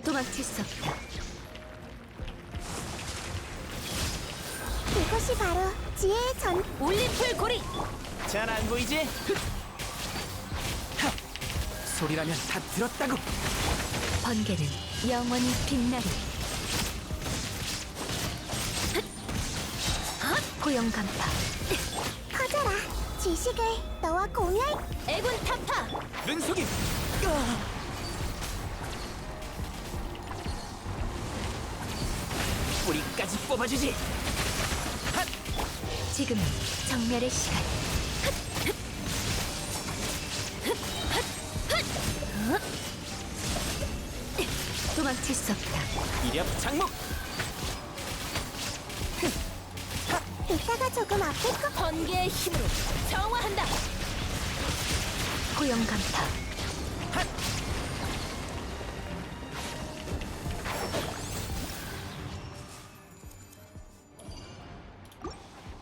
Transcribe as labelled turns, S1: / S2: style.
S1: 도망칠 수 없다.
S2: 이것이 바로 지혜의 전.
S1: 올림플 고리!
S3: 잘 안 보이지? 하! 소리라면 다 들었다고.
S1: 번개는 영원히 빛나리. 고용 간파.
S2: 커져라. 지식을 너와 공유할.
S1: 애군 타파!
S3: 눈속임. 뿌리까지 뽑아주지.
S1: 지금은 정멸의 시간. 도망칠 수 없다.
S3: 이력 장목.
S2: 이따가 조금 아플 것.
S1: 번개의 힘으로 정화한다. 고용 간파.
S3: 핫!